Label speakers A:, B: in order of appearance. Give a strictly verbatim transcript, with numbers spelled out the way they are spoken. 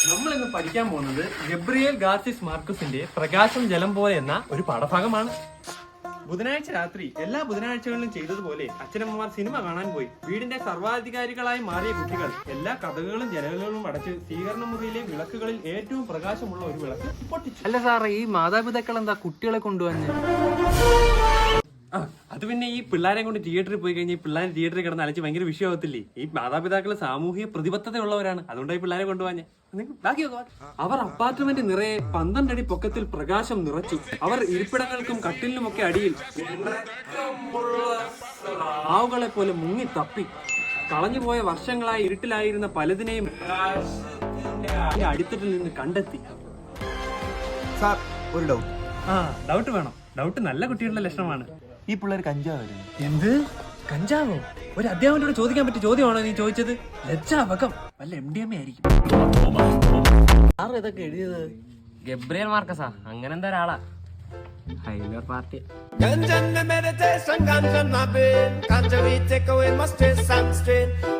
A: നമ്മൾ ഇന്ന് പഠിക്കാൻ പോകുന്നത് ഗബ്രിയേൽ ഗാർസിസ് മാർക്കസിന്റെ പ്രകാശം ജലം പോലെ എന്ന ഒരു പാഠഭാഗമാണ്. ബുധനാഴ്ച രാത്രി എല്ലാ ബുധനാഴ്ചകളിലും ചെയ്തതുപോലെ അച്ഛനമ്മമാർ സിനിമ കാണാൻ പോയി. വീടിന്റെ സർവാധികാരികളായി മാറിയ കുട്ടികൾ എല്ലാ കഥകളും ജനലുകളും അടച്ച് സ്വീകരണ മുറിയിലെ വിളക്കുകളിൽ ഏറ്റവും പ്രകാശമുള്ള ഒരു വിളക്ക് പൊട്ടിച്ചു.
B: അല്ല സാറേ, ഈ മാതാപിതാക്കൾ എന്താ കുട്ടികളെ കൊണ്ടുവന്ന്?
A: ആ അത് പിന്നെ ഈ പിള്ളേരെ കൊണ്ട് തിയേറ്ററിൽ പോയി കഴിഞ്ഞാൽ ഈ പിള്ളേർ തിയേറ്ററിൽ കിടന്ന് അലച്ച് ഭയങ്കര വിഷയമാകത്തില്ലേ? ഈ മാതാപിതാക്കൾ സാമൂഹിക പ്രതിബദ്ധതയുള്ളവരാണ്, അതുകൊണ്ടാണ് ഈ പിള്ളേരെ കൊണ്ടുപോകാൻ. അവർ അപ്പാർട്ട്മെന്റ് നിറയെ പന്ത്രണ്ടടി പൊക്കത്തിൽ പ്രകാശം നിറച്ചു. അവർ ഇരിപ്പിടങ്ങൾക്കും കട്ടിലിനുമൊക്കെ അടിയിൽ ആവുകളെ പോലെ മുങ്ങി തപ്പി. കളഞ്ഞുപോയ വർഷങ്ങളായി ഇരുട്ടിലായിരുന്ന പലതിനെയും അടിത്തട്ടിൽ നിന്ന് കണ്ടെത്തി.
C: സാർ, ഒരു ഡൗട്ട്.
A: ആ ഡൗട്ട് വേണം. ഡൗട്ട് നല്ല കുട്ടികളുടെ ലക്ഷണമാണ്.
C: ഈ പിള്ളേർ കഞ്ചാവായിരുന്നു.
A: എന്ത് കഞ്ചാവോ? ഒരു അധ്യാപകനോട് ചോദിക്കാൻ പറ്റിയ ചോദ്യമാണോ നീ ചോദിച്ചത്? ലജ്ജാവകം. വല്ല എം ഡി എം എ ആയിരിക്കും.
B: സാർ ഇതൊക്കെ എഴുതിയത് ഗബ്രിയേൽ മാർക്കസാ, അങ്ങനെ എന്താ ഒരാളാ. ഹൈലർ party.
D: Ganja meditation, ganja my brain. Ganja we take away my stress and strain.